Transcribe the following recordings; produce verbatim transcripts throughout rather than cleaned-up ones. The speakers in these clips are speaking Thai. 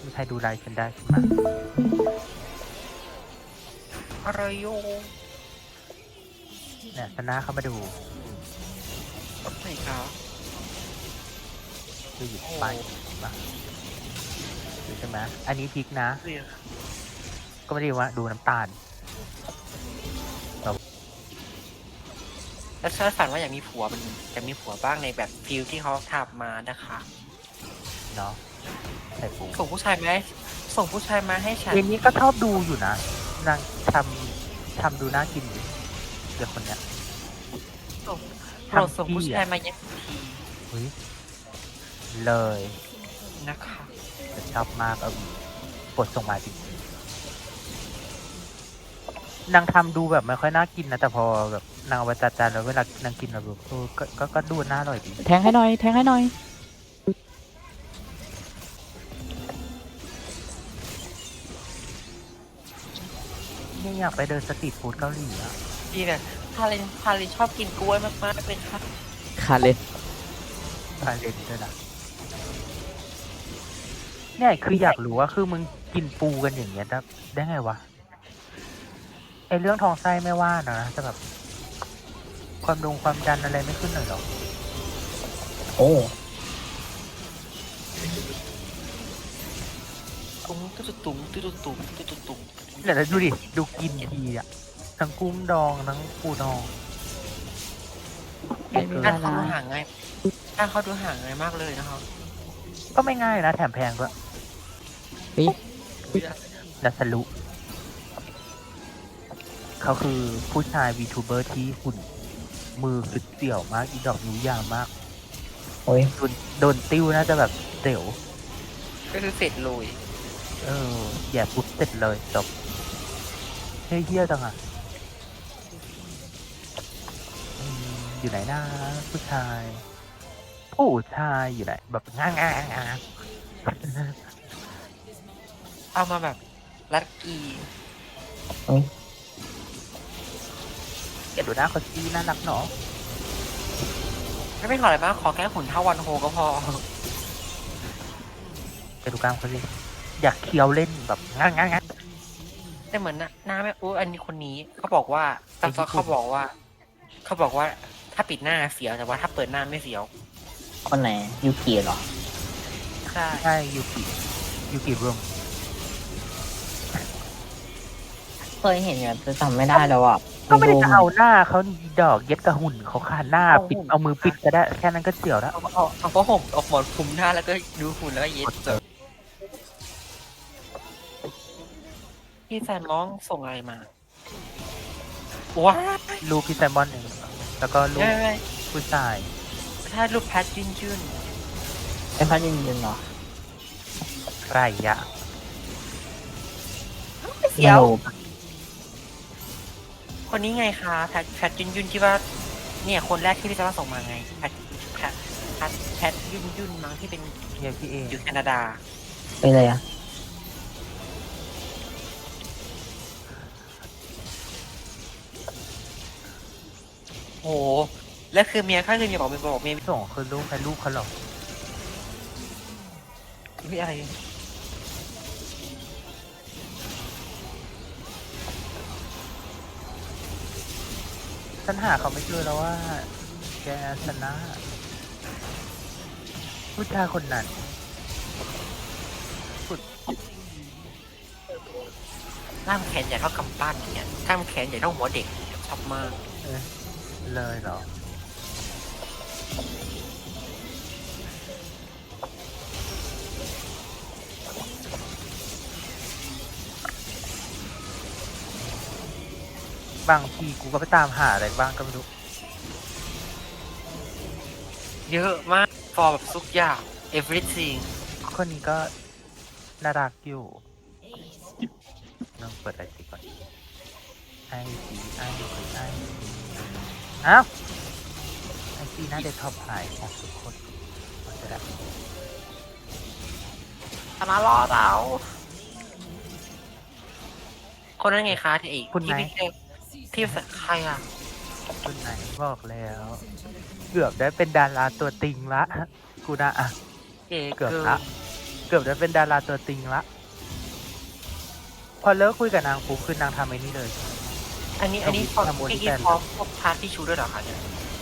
มีใครดูไลฟ์ฉันได้ใช่ไหมอะไรโยเนี่ยชนะเข้ามาดูไหนครับดูหยิบไปมาดูใช่ไหมอันนี้พริกนะเรียกก็ไม่ได้ว่าดูน้ำตาลแล้วฉันฝันว่าอยากมีผัวมันอยากมีผัวบ้างในแบบฟิลที่เขาทำมานะคะเนาะใส่ปูส่งผู้ชายมาให้ส่งผู้ชายมาให้ฉันเรนนี้ก็ชอบดูอยู่นะนางทำทำดูน่ากินอยู่เด็กคนเนี้ยส่งโปรดส่งผู้ชายมาเย็นทีเฮ้ยเลยนะคะจะชอบมากเออกดส่งมาจริงนางทำดูแบบไม่ค่อยน่ากินนะแต่พอแบบนางเอาไปจัดจานแล้วเวลานางกินแล้วแบบเออก็ก็ก็ดูน่าอร่อยดีแทงให้หน่อยแทงให้หน่อยนี่อยากไปเดินสตรีทฟู้ดเกาหลีอะดีเนี่ยพาเลนพาเลนชอบกินกล้วยมากๆเป็นค่ะขาดเลยพาเลนด้วยนะเนี่ยคืออยากรู้ว่าคือมึงกินปูกันอย่างเงี้ยได้ได้ไงวะไอเรื่องท้องไส้ไม่ว่านะแต่แบบความดงความดันอะไรไม่ขึ้นหน่อยหรอโอ้ตุ้งตุ้ตุ้งตุ้ตุ้งตุ้ตุ้งเดี๋ยวดูดิดูกินทีอะทั้งกุ้งดองทั้งปูดองไม่มีการเวเขาลาดูห่างง่ายการเขาดูห่างง่ายมากเลยนะครับก็ไม่ง่ายนะแถมแพงด้วยปีนัสลุเขาคือผู้ชายวีทูเบอร์ที่หุ่นมือคือเสี่ยวมากอีดอกนิ้วยาวมากโอ้ยโดนโดนติ้วน่าจะแบบเสียวก็คือเสร็จเลยเออแย่ปุ๊บเสร็จเลยจบเฮ้ยเฮี้ยจังอ่ะอืมอยู่ไหนนะผู้ชาย ผู้ชายอยู่ไหนแบบง่างง่างง่างเอามาแบบรัดกีเก็บดูหน้าคนซีน่ารักเนาะไม่เป็นขออะไรมากขอแค่หุ่นเท่าวันโฮก็พอเก็บดูกลางคนซีอยากเคี้ยวเล่นแบบง่างง่างง่างแต่เหมือนน่ะหน้าไม่อู้อันนี้คนนี้เขาบอกว่าตามซอเขาบอกว่า เขาบอกว่าถ้าปิดหน้าเสียวแต่ว่าถ้าเปิดหน้าไม่เสียวคนไหนยูกิเหรอใช่ใช่ยูกิยูกิรวมเคยเห็นอยู่แต่จำไม่ได้แล้วอ่ะก็ไม่ได้จะเอาหน้าเขานี่ดอกเย็ดกระหุ่นเขาขาดหน้าปิดเอามือปิดก็ได้แค่นั้นก็เสียวแล้วเอาเอาเอาผ้าห่มเอาหมอนคลุมหน้าแล้วก็ดูหุ่นแล้วก็เย็ดเจอพี่แซมมองส่งอะไรมาว้ารูปพี่แซมบอนหนึ่งแล้วก็รูปไม่ไม่ผู้ชายถ้ารูปแพทยืนยืนเป็นพัดยืนยืนเหรอไรยะเสียว คนนี้ไงคะแพทแพทยืนยืนที่ว่าเนี่ยคนแรกที่พี่แซมส่งมาไงแพทแพทแพทแพทยืนยืนมั้งที่เป็นเฮียพี่เองอยู่แคนาดาไปเลยอ่ะโอ้โหแล้วคือเมียข้าคือเมียบอกเมียบอกเมียส่งคือรูปใครรูปเขาหรอกมีอะไรฉันหาเขาไม่เจอแล้วว่า แกชนะผู้ชายคนนั้นกล้ามแขนใหญ่เท่ากำปั้นอย่างเงี้ยกล้ามแขนใหญ่เท่าหัวเด็กชอบมากเออเลยเหรอ บางทีกูก็ไปตามหาอะไรบ้างก็ไม่รู้เยอะมากฟอร์แบบทุกอย่าง everything คนนี้ก็น่ารักอยู่ต้องเปิดไอซีก่อนไอซีไอซีไอซีอ้าวไอซีน่าจะท็อปไฮของทุกคนจะได้ธนารอดเอาคนนั้นไงคะที่อีกคุณที่ไหนไม่เจอที่ใครอ่ะคุณไหนบอกแล้ว เกือบได้เป็นดาราตัวติงละกูนะอ่ะเก๋เกือบเกิละนเกือบจะเป็นดาราตัวจริงละพอเลิกคุยกับนางปุ๊บคือนางทำไอ้นี่เลยอันนี้อันนี้พอทำโมดิพี่แฟกิ๊นพร้อมพวกพาร์ทที่ชูด้วยเหรอคะเนี่ย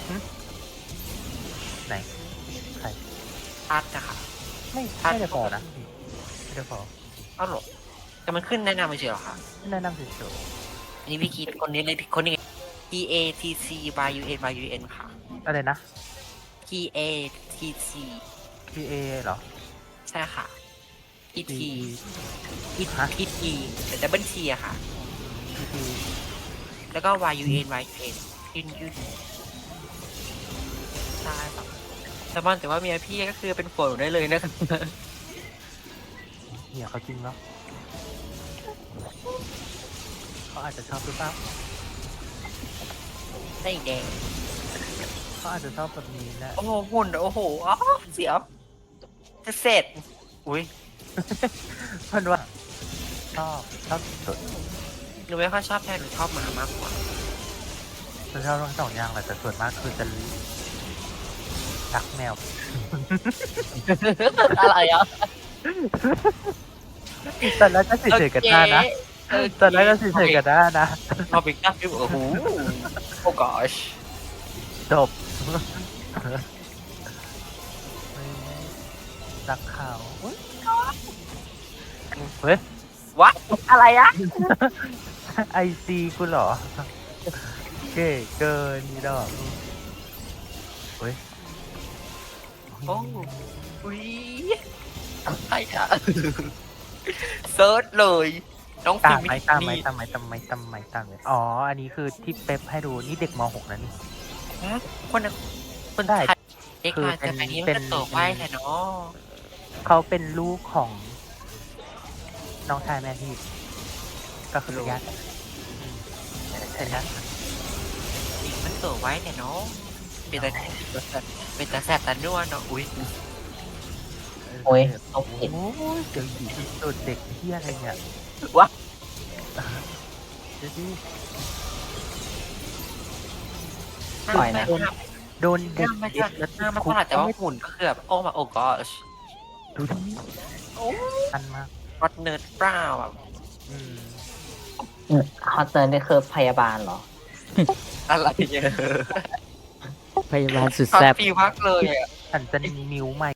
ไหนใครพาร์ทนะคะไม่พัดไม่ได้พอนะไม่ได้พอเอ้าเหรอแต่มันขึ้นแนะนำไม่ใช่เหรอคะแนะนำเฉยอันนี้พี่คิดคนนี้เลยคนนี้ P A T C Y U N Y U N ค่ะๆอะไรนะ P A T C P A เหรอใช่ค่ะ P T P P ฮะ P T แต่ดับเบิล T อะค่ะ P T แล้วก็ Y U N Y U N ยืนยืนใช่ครับแต่มันแต่ว่าเมียพี่ก็คือเป็นผัวหนูได้เลยนะครับเนี่ยเขาจริงแล้วเขาอาจจะชอบหรือเปล่าได้แดงเขาอาจจะชอบแบบนี้นะโอ้โหหุ่นโอ้โหอ๋อเสียวจะเสร็จ อุ้ยมันว่าชอบชอบสุดหนูไม่ค่อยชอบแพะหนูชอบหมามากกว่าฉันชอบทั้งสองอย่างแหละแต่ส่วนมากคือจะรักแมวอะไรอ่ะตอนแรกก็เฉยๆกันได้นะเออตอนแรกก็เฉยๆกันได้นะพอเป็นก้าฟิวโอ้โหโอ้ gosh จบรักเขาเฮ้ยวัดอะไรอะไอซีกูเหรอ เก๋เกินนี่ดอกเฮ้ยโอ้อุ้ยใช่ค่ะเซิร์ชเลย น้องฟิตาล์มมไหมมิตามไหมนี่ตามไหมตามไหมตามไหมตามไหมอ๋อ อันนี้คือที่เป๊ปให้ดู นี่เด็กม .หก นะนี่คนน่ะคนได้ไทยเด็กคือมาเป็นแต่อันนี้เป็มันนจะโตไปแค่เนาะเขาเป็นลูกของน้องชายแม่พี่ ก็คือเป็นญาติกันอืมเป็นญาติกันอีกมันโตไว้แต่เนาะเป็นแต่เป็นแต่แสบแต่นัวเนาะอุ้ยโอ้ยเอาผิดโอ้ยเดี๋ยวอยู่ที่สุดเด็กเที่ยอะไรเนี่ยวะเดี๋ยวดิปล่อยนะหน้าโดนเด็กไม่เด็ใช่กแล้วหน้ามันคุตกลาดแต่ว่าหุ่นก็คือแบบโอ้มาโอ้ gosh ดูดิอันมากรถเนิร์ดเปล่าแบบอืมฮอตเติร์นนี่คือพยาบาลเหรออะไรเนี่ยพยาบาลสุดฮอตแซ่บฟีมากเลยอ่ะฉันจะนิ้วใหม่